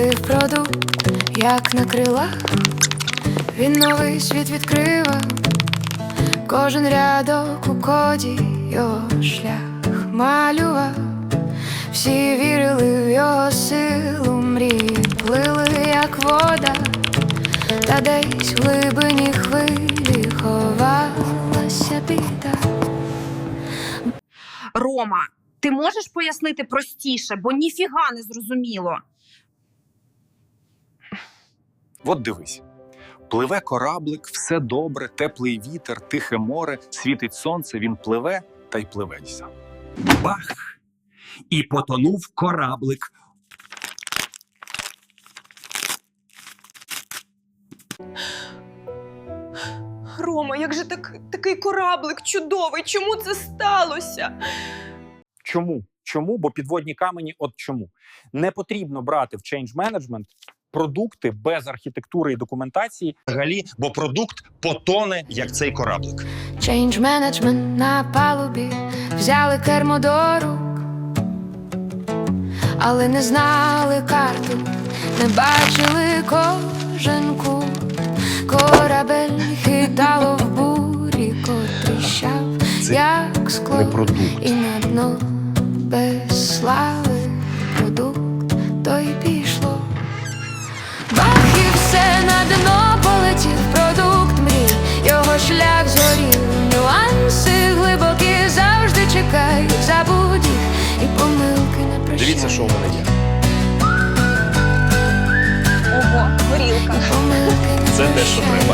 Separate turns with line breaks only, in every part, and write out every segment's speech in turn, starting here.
Полетів продукт, як на крилах, він новий світ відкривав. Кожен рядок у коді його шлях малював. Всі вірили в його силу, мрії плили, як вода, та десь в глибині хвилі ховалася біда.
Рома, ти можеш пояснити простіше, бо ніфіга не зрозуміло.
От дивись. Пливе кораблик, все добре, теплий вітер, тихе море, світить сонце, він пливе та й пливеться.
Бах! І потонув кораблик.
Рома, як же такий кораблик чудовий? Чому це сталося?
Чому? Чому? Бо підводні камені от чому. Не потрібно брати в change management продукти без архітектури і документації.
Взагалі, бо продукт потоне, як цей кораблик.
Change management на палубі, взяли кермо до рук, але не знали карту, не бачили кожен кут. Корабель хитало в бурі, котріщав, як скло, і на дно без слави продукт, то й пішло. Бах, і все на дно полетів продукт мрій, його шлях згорів. Нюанси глибокі завжди чекають, забудь їх і помилки не прощають.
Дивіться, що у мене є.
Ого, горілка.
Це те, що треба.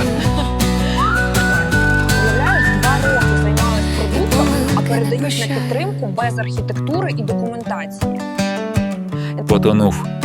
Уявляєш, 2 роки займалась продуктом, а передають на підтримку без архітектури і документації.
Потонув